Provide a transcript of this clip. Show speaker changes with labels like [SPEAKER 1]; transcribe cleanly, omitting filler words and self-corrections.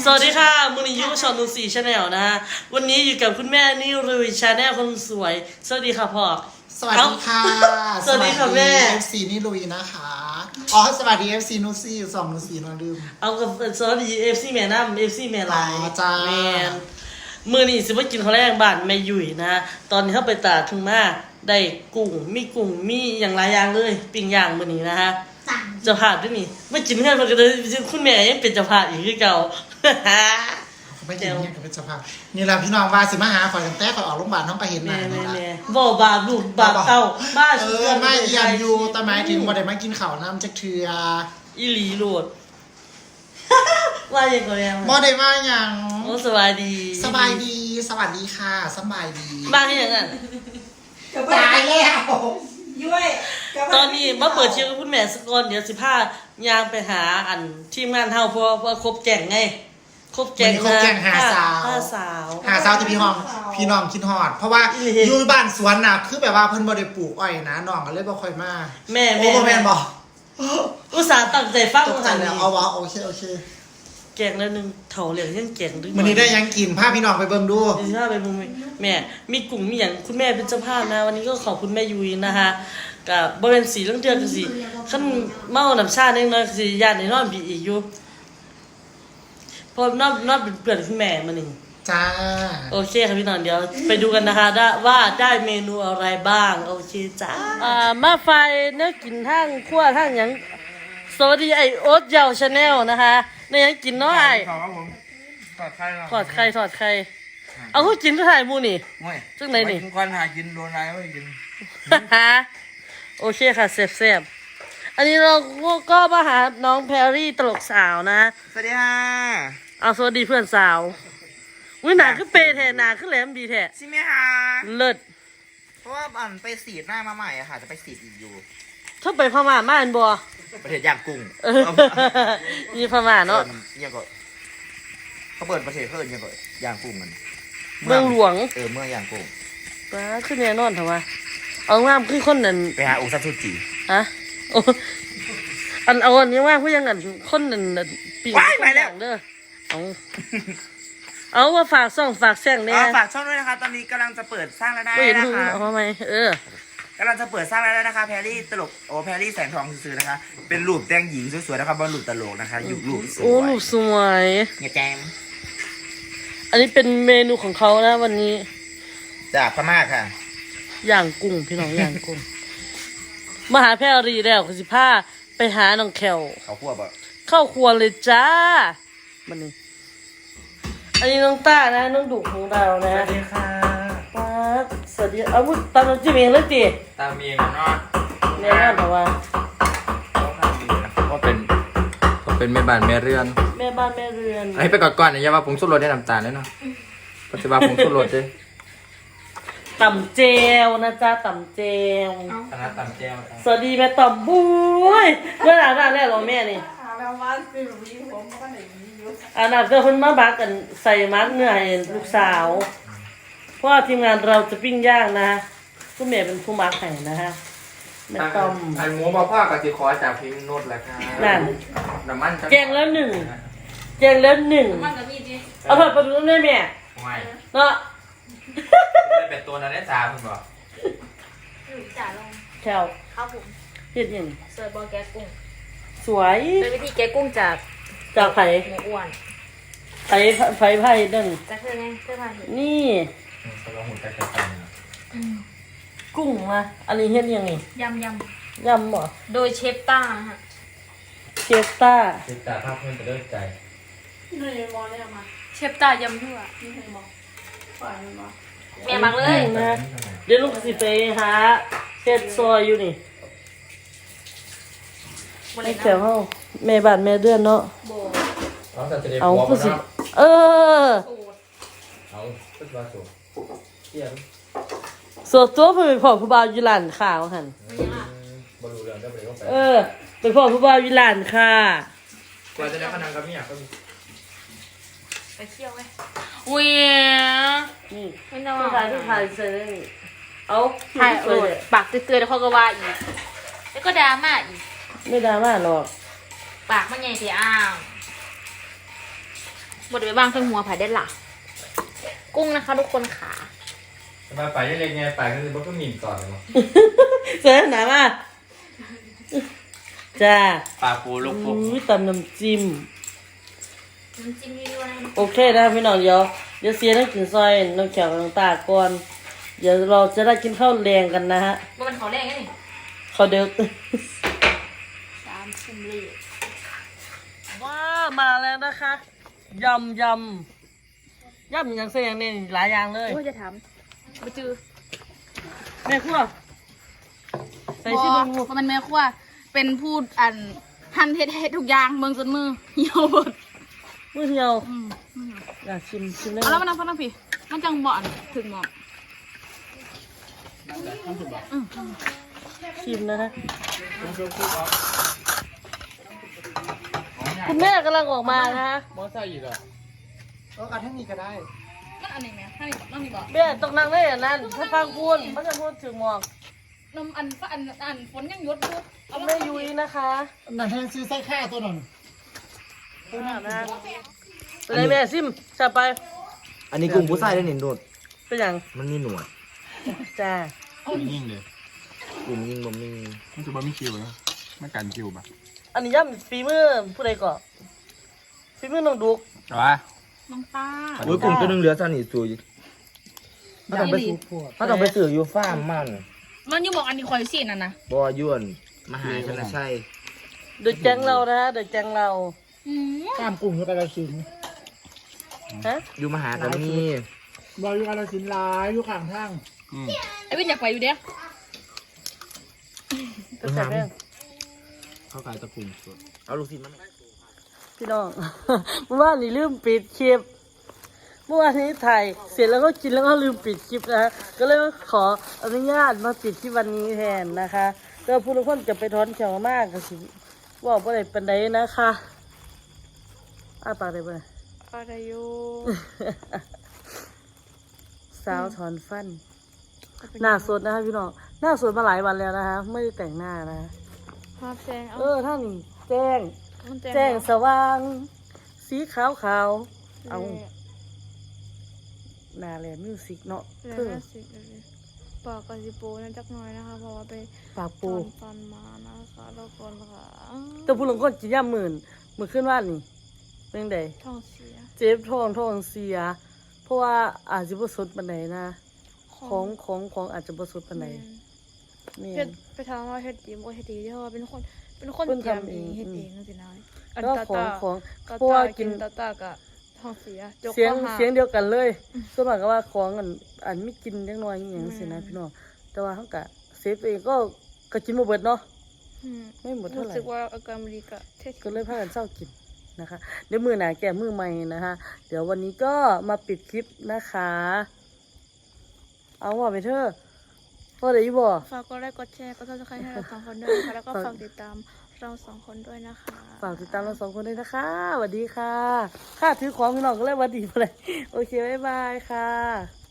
[SPEAKER 1] สวัสดีค่ะมูนิยุชอนนูสีชาแนลนะฮะวันนี้อยู่กับคุณแม่นิรุยชาแนลคนสวยสวัสดีค่ะพ่อ
[SPEAKER 2] สวัสดีค่ะ
[SPEAKER 1] สวัสดีค่ะแม่
[SPEAKER 2] FC นี่ลุยนะคะอ๋อสวัสดี FC นูซี่สองนูซี่นอนลืม
[SPEAKER 1] เอากับสวัสดีเอฟซีแม่น้ำเอฟซีแม่ลาย
[SPEAKER 2] จ้า
[SPEAKER 1] แมนมือนี่สิว่ากินข้าวแรงบ้านแม่ยุ่ยนะตอนนี้เขาไปตลาดถึงมาได้กุ้งมีอย่างหลายอย่างเลยปิ้งย่างมือนี้นะฮะเจ้าภาพด้วยนี่ไม่กินเพื่อนมันก็เลยคุณแม่ยังเป็นเจ้าภาพอีกคือเก่า
[SPEAKER 2] ไม่กินเนี่ยกับเป็นสภาพนี่แหละพี่น้องว่าสิมาหาข่อยตั้งแต่ข่อยออกโรงพยาบาลน้องก็เห็นหน้านี่ละ
[SPEAKER 1] บ่บาปลูกบาปเต้าบ้า
[SPEAKER 2] ไม่เยี่ยมอยู่แต่หมายถึงบ่ได้มากินข้าวน้ำจักเทือ
[SPEAKER 1] อีหลีโหลด ว่าอย่างไรอ่ะ
[SPEAKER 2] บ่ได้มาอย่าง
[SPEAKER 1] โอ้สบายดี
[SPEAKER 2] สบายดีสวัสดีค่ะสบายดี
[SPEAKER 1] บ้างอย่างนั้น
[SPEAKER 2] ตายแล้ว
[SPEAKER 3] ย้วย
[SPEAKER 1] ตอนนี้มาเปิดเชียร์กับคุณแม่สกอนเดี๋ยว15ยางไปหาอันทีมงานเฮาเพราะครบแก่งไงครบแก่ง
[SPEAKER 2] ครบแก่งหาสาว
[SPEAKER 1] หาสาว
[SPEAKER 2] หาสาวที่พี่น้องคิดฮอดเพราะว่าอยู่บ้านสวนน่ะคือแบบว่าเพิ่นบ่ได้ปลูกอ้อยนะน้องก็เลยบ่ค่อยมา
[SPEAKER 1] แม่
[SPEAKER 2] โอ้บ่แม่นบ่
[SPEAKER 1] อุตส่าห์ตั้งใจฟัง
[SPEAKER 2] ตกใจแล้วเอาวะโอเค
[SPEAKER 1] แก่งแล้วนึงเถาเหลียงยังแก่งดึง
[SPEAKER 2] มื้อนี้ได้ยังกินพาพี่น้องไปเบิ่งดู
[SPEAKER 1] สิพาไปมุมแม่มีกลุ่มมีอย่างคุณแม่เป็นเจ้าภาพนะวันนี้ก็ขอบคุณแม่ยุ้ยนะคะกับบ่เป็นสีเรื่องเดือนกันสิขั้นเมาน้ำชาเล็กน้อยสิญาติในนอนบีอีกอยู่พอนอนเป็นเพื่อนคุณแม่มาหนึ่ง
[SPEAKER 2] จ้า
[SPEAKER 1] โอเคค่ะพี่น้องเดี๋ยวไปดูกันนะคะว่าได้เมนูอะไรบ้างโอเคจ้ามาไฟเนื้อกินทั้งขั้วทั้งอย่างสวัสดีไอโอ๊ตเยาวชาแนลนะคะในยังกินน้อย
[SPEAKER 4] ครับผมถอดไข่
[SPEAKER 1] ถอดไข่เอาเขากินก็ถ่ายมูนี่
[SPEAKER 4] ง่วย
[SPEAKER 1] ซึ่งไหนนี่
[SPEAKER 4] กินควันหากินโดนอะไรไม่กิน
[SPEAKER 1] โอเคค่ะเซฟอันนี้เราก็มาหาน้องแพรรี่ตลกสาวนะ
[SPEAKER 4] สวัสดีค่ะ
[SPEAKER 1] เอาสวัสดีเพื่อนสาววิหนาขึ้นเปย์แทนหนาขึ้นแหลมดีแท้
[SPEAKER 4] ใช่ไหมคะ
[SPEAKER 1] เลิศ
[SPEAKER 4] เพราะว่าไปสีดหน้ามาใหม่อะค่ะจะไปสีดอีกอยู่
[SPEAKER 1] ถ้าไปพม่ามาอันบัว
[SPEAKER 4] ประเทศย่างกุ้ง
[SPEAKER 1] มีพม่าเนาะ
[SPEAKER 4] เนี่ยก็เขาเปิดประเทศเขาเนี่ยก็ย่างกุ้งกัน
[SPEAKER 1] เมืองหลวง
[SPEAKER 4] เมืองย่างกุ้ง
[SPEAKER 1] ป้าขึ้นแน่นอนเถอะวะเอางามขึ้นคนนั้น
[SPEAKER 4] ไปหาองค์ซัตสุจิ
[SPEAKER 1] ฮะโอ้เอาอันนี้ว่าผู้ยังอันคนนั้นปีกเด้อเอาว่าฝากซ่องฝากแซงเนี่ย
[SPEAKER 4] ฝากช่องด้วยนะคะตอนนี้กำลังจะเปิดสร้างรายได้
[SPEAKER 1] ไม่เห็น
[SPEAKER 4] นะ
[SPEAKER 1] หู
[SPEAKER 4] คะ
[SPEAKER 1] เอาไหม
[SPEAKER 4] กำลังจะเปิดสร้างรายได้นะคะแพรรี่ตลกแพรรี่แสงทองซื้อนะคะเป็นรูปแต่งหญิงสวยๆนะคะบอลรูปตลกนะคะอยู่รูปสวย
[SPEAKER 1] โอ้ลูกสวย
[SPEAKER 4] เนี่ยแจม
[SPEAKER 1] อันนี้เป็นเมนูของเขานะวันนี้
[SPEAKER 4] จากพม่าค่ะ
[SPEAKER 1] ย่างกุ้งพี่น้องย่างกุ้งมาหาแพรรีแล้วคือ15ไปหาน้องแคล
[SPEAKER 4] เขาคั่วบ่
[SPEAKER 1] เข้าครัวเลยจ้ามันนี่อันนี้น้องต้านะน้องดุของเรานะ
[SPEAKER 4] สวัสดีค่ะ
[SPEAKER 1] ป้าสวัสดีเอาพูดตามน้ำจิ้มเองเลยจี
[SPEAKER 4] ตามีนเนาะ
[SPEAKER 1] แน่นอนแต่ว่า
[SPEAKER 5] ก็เป็นแม่บ้านแม่เรือน
[SPEAKER 1] แม่บ้านแม่เรือน
[SPEAKER 5] ไอ้ไปก่อนๆอย่าว่าผมสุดรสได้น้ำตาลเลยเนาะปัจจุบันผมสุดรสเลย
[SPEAKER 1] ต่ำเจลนะจ๊ะต่ำเจล
[SPEAKER 5] คณะต่ำแจ้ว
[SPEAKER 1] สวัสดีแม่ต่ำบุ้ยเมื่อไหร่แรกหรอแม่นี่
[SPEAKER 3] หาแล้วว่าคือแบบนี้ผมก็ไหนมีอยู่
[SPEAKER 1] อันนั้นก็คนมาบักกันใส่มัดเนื้อให้ลูกสาวเพราะว่าทีมงานเราจะปิ้งย่างนะคุณแม่เป็นผู้มักให้นะฮะแม่ต่ำ
[SPEAKER 5] ไอ้หมูมาพ่อกับสิขอจากพิมพ์โนดแหละครับ
[SPEAKER 1] นั่น
[SPEAKER 5] น้ำมัน
[SPEAKER 1] แกงแล้วหนึ่ง
[SPEAKER 3] มันก็มีดิ
[SPEAKER 1] เอาผัดปลาดุกได้แม่
[SPEAKER 5] ไม่
[SPEAKER 1] เนาะ
[SPEAKER 5] ได้เป็นตัวนั้นได้สามคุณบอก
[SPEAKER 3] จ่าลง
[SPEAKER 1] แถว
[SPEAKER 3] ครับผม
[SPEAKER 1] เฮ็ดหยัง
[SPEAKER 3] เสิร์ฟบอลแกะกุ้ง
[SPEAKER 1] สวย
[SPEAKER 3] เป็นวิธีแกะกุ้งจาก
[SPEAKER 1] จากไผ่
[SPEAKER 3] หมูอ้วน
[SPEAKER 1] ไผ่นั่น
[SPEAKER 3] จากเธอไงเธอมาเห็น
[SPEAKER 1] นี่
[SPEAKER 5] เขาลองหุ่นใจกระตัน
[SPEAKER 1] กุ้งมาอันนี้เฮ็ดยังไง
[SPEAKER 3] ยำ
[SPEAKER 1] ยำเหรอ
[SPEAKER 3] โดยเชฟต้าฮะ
[SPEAKER 1] เชฟต้า
[SPEAKER 5] ติดตาภาพเพื่อนจะเลิกใจ
[SPEAKER 3] เชฟต้ายำทั่วแม่มักเลย
[SPEAKER 1] นะเดี๋ยวลูกสิไปหาเฮ็ดซอยอยู่นี่
[SPEAKER 3] วัน
[SPEAKER 1] ไอ้
[SPEAKER 3] นี้
[SPEAKER 1] แถวเฮาแม่บ้านแม่เดือนเนาะ
[SPEAKER 3] โบ
[SPEAKER 5] น้องจะได้
[SPEAKER 1] เอา
[SPEAKER 5] หัว
[SPEAKER 1] คือสิ
[SPEAKER 5] เนาะ
[SPEAKER 1] เออ
[SPEAKER 3] สูตร
[SPEAKER 5] เอาขึ้นมาสูงเที่ยง
[SPEAKER 1] ส่วนตัวเพิ่นเป็นพ่อผู้บ่าวอยู่ร้านข้าวหั่น
[SPEAKER 5] บรรลุเรื่องได้ไปก็ไป
[SPEAKER 1] เออเป็นพ่อผู้บ่าวอยู่ร้านค่ะ
[SPEAKER 5] กว่าจะได้ขนาดกับเมียก็มี
[SPEAKER 3] ไปเที่ยวไหมอุ้ย
[SPEAKER 1] นี่
[SPEAKER 3] ไม่ต้อง
[SPEAKER 1] ผู้ชายใส่ได้นี่เอา
[SPEAKER 3] ถ่าย
[SPEAKER 1] ส
[SPEAKER 3] โอ
[SPEAKER 1] วย
[SPEAKER 3] ด
[SPEAKER 1] เลย
[SPEAKER 3] ปากเตือนๆแล้วเขาก็ว่าอีกแล้วก็ดราม่าอีก
[SPEAKER 1] ไม่ดราม่าหรอก
[SPEAKER 3] ปากมันใหญ่เสียอ้าวบดไปบ้างทั้งหัวผายได้หล่ะกุ้งนะคะทุกคนขา
[SPEAKER 5] มาไปยังไงไงไปก็คือบ่ต้องมีก่อนเลยมั้ง
[SPEAKER 1] เสือหนามาจ้า
[SPEAKER 5] ปลาปูลูกปู
[SPEAKER 1] อุ้ยตำน้ำจิ้ม
[SPEAKER 3] น้ำจิ้มยั่วๆนะ
[SPEAKER 1] โอเคนะพี่น้องเดี๋ยวเสียน้ำกินซอยน้ำแข็งน้ำตาก่อนเดี๋ยวเราจะได้กินข้าวแรงกันนะฮะ
[SPEAKER 3] ว่ามันเขาแรงไงนี่
[SPEAKER 1] ข้าวเด็ก
[SPEAKER 3] 3 ชั่วโมง
[SPEAKER 1] ว้ามาแล้วนะคะยำอย่างเสียอย่างนี้หลายอย่างเลย
[SPEAKER 3] โอ้ยจะถามไปจือ
[SPEAKER 1] แม่ครัวใส่
[SPEAKER 3] บ
[SPEAKER 1] ชิ
[SPEAKER 3] อ
[SPEAKER 1] ม
[SPEAKER 3] ก
[SPEAKER 1] ดู
[SPEAKER 3] ว่ามันแม่ครัวเป็นพูดอันหั่นเฮ็ดทุกอย่างเมืองจนมือเหี่ยวหมด
[SPEAKER 1] มือเหี่ยว
[SPEAKER 3] อืม
[SPEAKER 1] อยากชิมได้
[SPEAKER 3] เอา
[SPEAKER 1] ไห
[SPEAKER 3] แล้ว
[SPEAKER 1] ม
[SPEAKER 3] มันนั่งพี่มันจังบ่อนถึงหมอก
[SPEAKER 1] ชิมนะคะคุณแม่กำลังออกมานะคะ
[SPEAKER 5] มอไซค์อีกอ่ะ
[SPEAKER 2] เอาทั้งนี้ก็ได้
[SPEAKER 3] มันอันนี้ไหมถ้านี่นั่งนี่บอก
[SPEAKER 1] แม่ต้องนั่งได้อย่างนั้นถ้าฟังพูดมันจะพูดถึงหมอก
[SPEAKER 3] นมอันฝนยังหยดอยู่เอา
[SPEAKER 1] แม่ยุ้ยนะคะ
[SPEAKER 2] นั่นแทนซื้อไส้ข้าวตัวนั้น
[SPEAKER 1] นะเป็นไรแม่ซิมจับไป
[SPEAKER 4] อันนี้กุ้งผู้ชายได้หนิโดด
[SPEAKER 1] เป็นอย่าง
[SPEAKER 4] มันมีหนวด
[SPEAKER 1] จ้า
[SPEAKER 5] ยิ่งเลย
[SPEAKER 4] กุ้งยิงบ่มี
[SPEAKER 5] มันจะบ่มีคิวนะมันกันคิวป่ะ
[SPEAKER 1] อันนี้ย่ำฝีมือผู้ใดก่อนฝีมือน้องดุก
[SPEAKER 5] แต่ว่า
[SPEAKER 3] น้องตา
[SPEAKER 4] โอ้ยกุ้งตัวนึงเหลือซะนี่สุยถ้าต้องไปซื้ออยู่ฟาร์มมัน
[SPEAKER 3] มันยังบอกอันนี้คอยสิน่ะนะ
[SPEAKER 4] บ่ยวนมหาชนชัย
[SPEAKER 1] เดือดแจงเรานะเดือดแจงเรา
[SPEAKER 3] อืม
[SPEAKER 2] ข้ามกลุ่มอยู่กาลสินธุ์
[SPEAKER 1] ฮะ
[SPEAKER 4] อยู่มหาก็มี
[SPEAKER 2] บอยอยู่กาลสินธุ์หลายอยู่ข้างทาง
[SPEAKER 3] ไอ้วินอยากไปอยู่เด้อ
[SPEAKER 1] ก็จับแม่ง
[SPEAKER 5] เขาขายตะกุ่มสด
[SPEAKER 4] เอาลูกศิษย์มา
[SPEAKER 1] พี่น้อง เมื่อวานนี้ลืมปิดคลิปเมื่อวานนี้ถ่ายเสร็จแล้วก็กินแล้วก็ลืมปิดคลิปนะฮะก็เลยขออนุญาตมาปิดที่วันนี้แทนนะคะก็ผู้ทุกคนจะไปถอนแขวมากก็สิว่าบ่ได้ปานใดนะคะปากได้บ่เนี่ย
[SPEAKER 3] อะไรอยู่
[SPEAKER 1] สาวถอนฟัน หน้าสดนะคะพี่น้องหน้าสดมาหลายวันแล้วนะคะไม่ได้แต่งหน้านะคะ
[SPEAKER 3] ภาพแจงเอา
[SPEAKER 1] ท่านแจ้ง
[SPEAKER 3] มัน
[SPEAKER 1] แจ้งสว่าง สีขาวขาวเอาหน้าแลมิวสิกเนาะ
[SPEAKER 6] แล้ว
[SPEAKER 1] เพื่อ
[SPEAKER 6] ก็สิปากกาซิโปนั่นจักหน่อยนะคะเพราะว่าไป
[SPEAKER 1] ปาก
[SPEAKER 6] ถ
[SPEAKER 1] ปู
[SPEAKER 6] อนฟันมานะคะแล้วก่อนค่ะ
[SPEAKER 1] แต่ผู้หลงคนกินย่ำมื่นขึ้นว่านี่เป็นได
[SPEAKER 6] ท้องเสีย
[SPEAKER 1] เจ็บท้องเสีย เพราะว่าอาจจะบ่สดปานใดนะของอาจจะบ่สดปานใดนี่
[SPEAKER 6] เฮ็ดไปถามว่าเฮ็ดดีบ่เฮ็ดดีเพราะว่าเป็นคน
[SPEAKER 1] เพิ่น
[SPEAKER 6] เตรียม
[SPEAKER 1] ทำ
[SPEAKER 6] เอ
[SPEAKER 1] เอง ง
[SPEAKER 6] เฮ็ดเองจังซี่นะอัน
[SPEAKER 1] แล้ว
[SPEAKER 6] ตา
[SPEAKER 1] ของ
[SPEAKER 6] ตา
[SPEAKER 1] เพราะว่ากิน
[SPEAKER 6] ตาตากะท้องเสียจก
[SPEAKER 1] เสียง
[SPEAKER 6] ข้อหา
[SPEAKER 1] เสียงเดียวกันเลยส่วนมากก็ว่าของอันไม่กินจังน้อยอหย่างสินะพี่น้องแต่ว่าเขาก็เซฟเองก็กินบ่เบิดเนาะ
[SPEAKER 6] อืม
[SPEAKER 1] ไม่หมดเท่า
[SPEAKER 6] รู้
[SPEAKER 1] ไหร่
[SPEAKER 6] สึกว่าอาการบ่ดีกะเทศ
[SPEAKER 1] ก็เลยพากันเศร้ากินนะคะเดี๋ยวมือหนาแก่มือใหม่นะคะ เดี๋ยววันนี้ก็มาปิดคลิปนะคะ เอาว่าไปเถอะว่าได้บ่
[SPEAKER 6] ฝากกดไลค์กดแชร์กด Subscribe ให้เราสองคนด้วยนะคะแล้วก็ฝากติดตามเราสองคนด้วยนะคะ
[SPEAKER 1] ฝากติดตามเราสองคนด้วยนะคะสวัสดีค่ะข้าถือของพี่น้องก็เลยหวัดดีไปเลยโอเคบ๊ายบายค่ะ